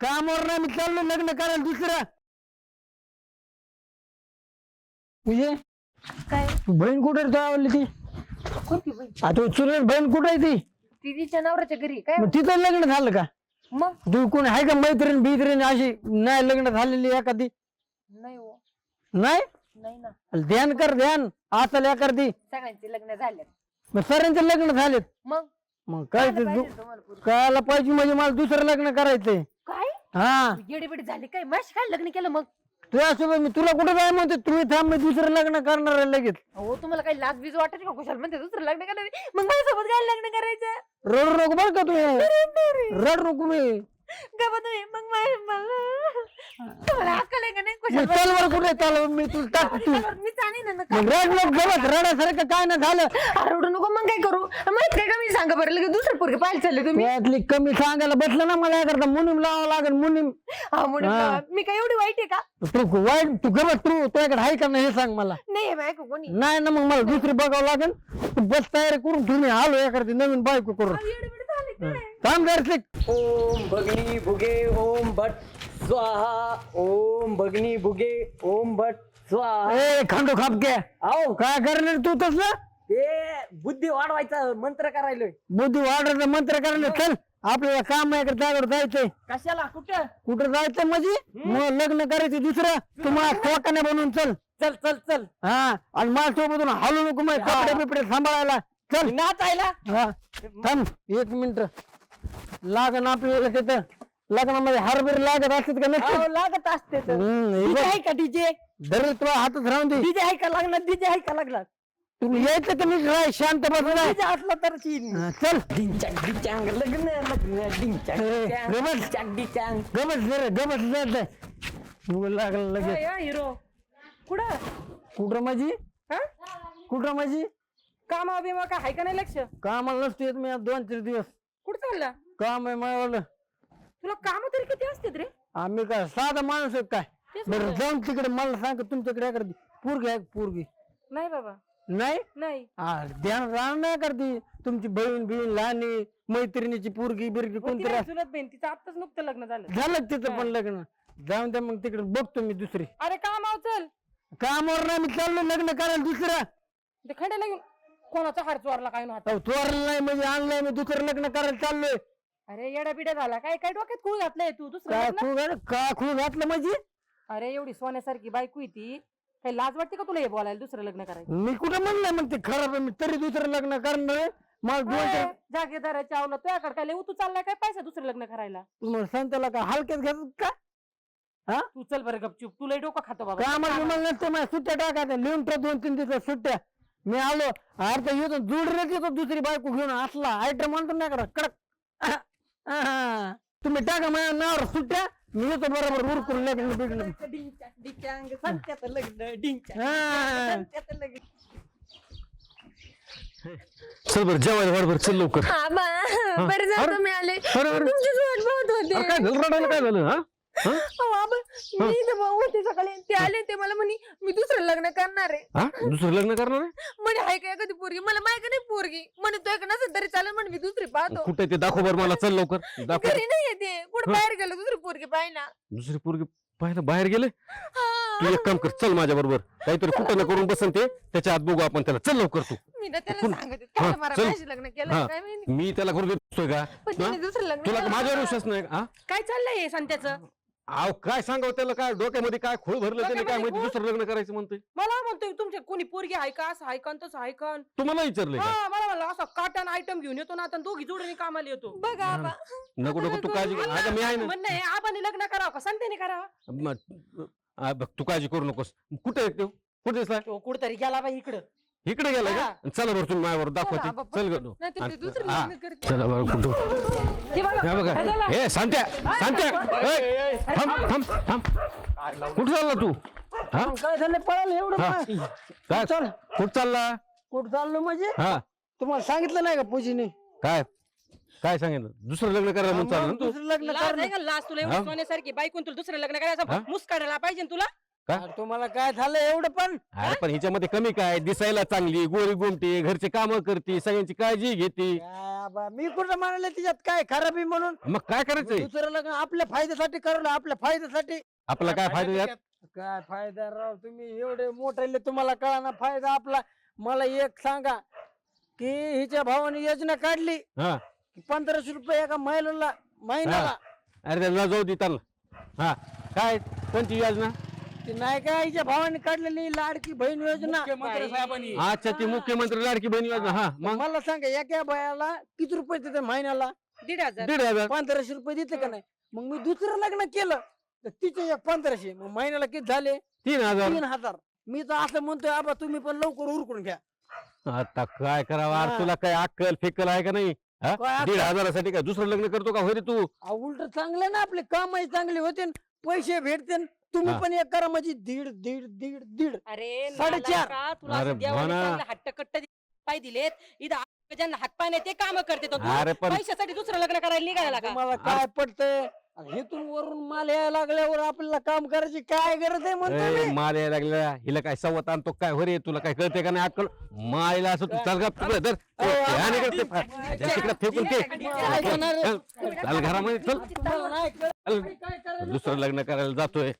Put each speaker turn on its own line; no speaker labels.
कामावर नाही मी चाललो लग्न करायला दुसरं. म्हणजे
काय
बहीण कुठे आवडली ती?
कोणती बाई?
आता चुलत बहीण कुठे आहे ती?
ती तिच्या नवऱ्याच्या घरी काय
मग तिथं लग्न झालं का?
मग
तू कोण आहे का मैत्रीण बित्रीण अशी नाही लग्न झालेली एखादी?
नाही हो
नाही
नाही ना
ध्यान कर ध्यान आता एखादी.
सगळ्यांचे लग्न झाले
मग सरांचे लग्न झालेत.
मग
मग काय ते
पाहिजे तुम्हाला पोरगी?
कळायला पाहिजे म्हणजे मला दुसरं लग्न करायचंय.
काय
हा
येडीबिडी झाली काय माझी काय लग्न केलं मग
तुझ्यासोबत मी तुला कुठे जाय म्हणते तुम्ही थांब मी दुसरं लग्न करणार आहे लगेच.
हो तुम्हाला काही लाज बीज वाटत का कुशाल म्हणते दुसरं लग्न करायचं मग माझ्यासोबत काय लग्न करायचं
रडू नको बरं का तुम्ही रड नको मी.
गप्पा तुम्ही मग तुम्हाला अक्कल आहे का नाही कुशाल
चल बरं कुठे चाल मी तुला टाकतो.
मी चालेल ना
मग रड नको गवत रडासारखं काय ना झालं.
रडू नको मग काय करू माहित काय का मी सांगा बरं लगेच दुसरं पोरगे पाहायला चालले तुम्ही
त्यातली कमी सांगायला बसलं ना मला करता मुनीम लावावं लागेल मुनीम.
हा म्हणून
हा.
मी काय एवढी वाईट आहे का
तू वाईट तू गवत तू तुझ्याकडे आहे का नाही हे सांग मला.
नाही बायको कोणी
नाही ना मग मला दुसरी बघावं लागेल. तू बस तयारी करून तुम्ही आलो एखादी नवीन बायको करून
येडीबिडी झाली काय
थांब जरशी.
ओम भगनी भुगे ओम भट स्वाहा ओम भगनी भुगे ओम भट स्वाहा.
ए खांडो खापके
आओ
काय करणार तू तसं
ते बुद्धी वाढवायचा मंत्र करायलोय.
बुद्धी वाढायचं मंत्र करायला चल आपल्याला काम आहे त्याकडे जायचंय.
कशाला कुठं
कुठं जायचं म्हणजे मग लग्न करायचं दुसरं तुम्हाला टोकाने बनवून चल.
चल चल चल
हा आणि माझ्यासोबतून हलू नको मग कपडे बिपडे सांभाळायला चल.
नाचायला
हा थांब एक मिनिट लागण आपल्याला तिथं लग्नामध्ये हारबीर लागत असतात का
आओ,
नसते.
लागत असते तर. डीजे आहे का डीजे
दर तुला हातच राहून दे.
डीजे आहे का लागणार डीजे आहे का लागणार
तुम्ही यायचं का नीट राह शांत बसलाय.
डीजे असला तर शीन.
चल
डिंचाक डिचांग लग्न लग्न डिंचाक
ए,
डिचांग,
गबस.
डिंचाक डिचांग.
गमत जर गमत जात लागलं लगेच.
हिरो कुठं
कुठं माझी
हा
कुठं माझी
कामा बिमा काय आहे का नाही लक्ष
कामाला नसतो येत मी आज 2-3 दिवस.
कुठं चालला
काम आहे मला.
तुला काम तरी किती असतात रे
आम्ही काय साधा माणूस आहे काय.
तेच
बरं
म्हणलं.
जाऊन तिकडे मला सांग तुमच्याकडे एखादी पोरगी आहे का पोरगी?
नाही बाबा
नाही
नाही
ध्यान राहणार नाही करती तुमची बहीण बिहीण लहानी मैत्रिणीची पोरगी बिरगी कोणतरी असं.
चुलत बहीण तिचं आताच नुकतं लग्न झालं
झालं तिथं पण लग्न जाऊन द्या मग तिकडे बघतो मी दुसरी.
अरे कामाव चल
कामावर नाही मी चाललो लग्न करायला दुसरं.
ते खंड्याला घेऊन कोणाचा हार चोरला काय नव्हता
अहो, चोरलं नाही म्हणजे आणलंय मी दुसरं लग्न करायला चाललोय.
अरे येडा बिडा झाला काय काय डोक्यात खूळ घातलंय तू दुसरं
का
लग्न?
खूळ घातलं म्हणजे
अरे एवढी सोन्यासारखी बायको आहे ती काही लाज वाटते का तुला हे बोलायला दुसरं लग्न करायचं
मी कुठं म्हणलं मग ते खराब आहे मी तरी दुसरं लग्न करणार आहे. मला दोन
जागेदाराच्या आवला तुझ्याकडे काय लय तू चाललाय काय पैसा दुसरं लग्न करायला
तुम्हाला सांगताला का हलक्यात घेतात का
तू चल बरं गपचूप तुला डोकं खातो बाबा
कामाला मला नसते माझ्या सुट्ट्या टाकायच्या लिहून ठेव 2-3 दिवस सुट्ट्या. मी आलो अर्ध येतो जुडण्यात येतो दुसरी बायको घेऊन असला आयटम म्हणतो नाही करा कडक. तुम्ही टाका माझ्या नावावर सुट्ट्या मी येतो बरोबर उरकून लग्न बिग्न.
डिंचाक डिचांग संत्याचं लग्न डिंचाक
हा.
संत्याचं लग्न.
चल बरं जेवायला वाढ बरं चल लवकर.
बरं झालं
अरे,
तुम्ही आले
अरे, अरे.
तुमचीच वाट पाहत होते
अरे काय झालं रडायला काय झालं हा हा?
अहो, आबा, मी इथं भाऊ होते सकाळी ते आले ते मला म्हणे मी दुसरं लग्न करणार आहे
हा दुसरं लग्न करणार आहे?
म्हणे हाय काय कधी पोरगी मला माहिती नाही पोरगी म्हणे तो एक नसेल तरी चालेल म्हणे मी दुसरी पाहतो
कुठे ते दाखव बरं मला चल लवकर दाखव.
घरी नाही येते कुठे बाहेर गेलो दुसरी पोरगी पाहिना
दुसरी पोरगी पाहिलं बाहेर गेले. तू एक काम कर चल माझ्या बरोबर काहीतरी कुठं ना करून बसन ते त्याच्या आत बघू आपण त्याला चल लवकर तू.
मी ना त्याला
कोण-
सांगते
हा,
त्याला मला
चल.
माझी लग्न केलं
हा.
काय माहिती
मी त्याला करू देतोय का
पण
हा?
त्याने दुसरं लग्न
तुला
केलं.
माझ्यावर विश्वास नाही का? हा
काय चाललंय हे संत्याचं
अहो काय सांगावं त्याला काय डोक्यामध्ये काय खोळ भरलं त्याने काय
डोक्यामध्ये
माहिती दुसरं लग्न करायचं म्हणतोय.
मला म्हणतोय तुमच्या कोणी पोरगी आहे का असं ऐकन तसं ऐकन
तुम्हाला विचारलंय का
हा मला म्हणलं असं काटन आयटम घेऊन येतो ना आता दोघी जोडीने कामाला येतो बघा
नको नको तू काळजी अगं मी आहे ना.
म्हणणं आहे आबाने लग्न करावं का संत्याने करावं
बघ तू काळजी करू नकोस. कुठे आहे तो कुठे दिसलाय
तो कुठतरी गेला बाई इकडं
इकडे गेला
हा.
का चला बरं तुम्ही माझ्यावर
चला,
दाखवा
आबा,
चल
पटकन.
गं.
नाहीतर ते दुसरं
हा.
लग्न करते.
चला बरं कुठं
हे बघा,
हे बघा
काय झालं?
ए सांत्या थांब थांब थांब कुठं चालला तू हा
काय झालं पळालं एवढं
हा.
पाय.
काय
चल
कुठं चालला
कुठं चाललो म्हणजे
हा
तुम्हाला सांगितलं नाही का पूजीने
काय काय सांगितलं दुसरं लग्न करायला म्हणून चालला ना तू
दुसरं लग्न
लाज आहे
कर
का लाज तुला
हा?
एवढी सोन्यासारखी बायकून तुला दुसरं लग्न
हा?
करायचं मुस काढायला पाहिजे ना तुला
का?
अरे तुम्हाला काय झालं एवढं पण
अरे पण हिच्यामध्ये कमी काय, दिसायला चांगली, गोरी गोमटी, घरचे काम करते, सगळ्यांची काळजी घेते.
काय बा, मी कुठं म्हणाले तिच्यात काय खराबी म्हणून
मग काय करायचंय?
दुसरं लग्न आपल्या फायद्यासाठी करलं, आपल्या फायद्यासाठी.
आपला काय फायदा यात?
काय फायदा राव, तुम्ही एवढे मोठे तुम्हाला कळा ना फायदा आपला. मला एक सांगा की हिच्या भावाने योजना काढली
हा
की 1500 रुपये एका महिन्याला महिन्याला.
अरे त्याला जाऊ दे त्यांना. हा काय कोणती योजना?
ती नाही का हिच्या भावाने काढलेली लाडकी बहीण योजना.
अच्छा ती मुख्यमंत्री लाडकी बहीण योजना. हा मग
मला सांगा एका बायाला किती रुपये देते महिन्याला?
1,500.
1,500.
1500 रुपये देते का नाही? मग मी दुसरं लग्न केलं तर तिचे एक 1500, मग महिन्याला किती झाले?
3,000.
3000. मी तर असं म्हणतोय आबा तुम्ही पण लवकर उरकून घ्या.
आता काय करावं? अरे तुला काय अक्कल फेकल आहे का नाही? हा?
काय अक्कल?
1,500साठी काय दुसरं लग्न करतो का होय रे तू?
उलट चांगलं ना, आपले कामही चांगले होते, पैसे भेटते. तुम्ही
हा.
पण एक करा म्हणजे दीड दीड दीड दीड.
अरे
4.5.
नालायका, तुला
अरे
असं देवाने
भोना.
चांगलं हट्टकट्ट पाय दिलेत. इथं ज्यांना हातपाय नाही ते काम करते तो. तू
अरे पण
पैशासाठी दुसरं लग्न करायला निघायला का?
तुम्हाला काय पडतंय? हेतून वरून माल यायला लागल्यावर आपल्याला काम करायची काय गरज आहे म्हणतो
ए,
मी.
माल यायला लागला हिला काय सवत आणतो काय हो रे? तुला काय कळते का नाही अक्कल? मायला असं तू चाल तिकडे फेकून ते
काय करणार आहे?
चल घरामध्ये चल.
तुम्हाला नाही कळत.
चल. दुसरं लग्न करायला जातोय.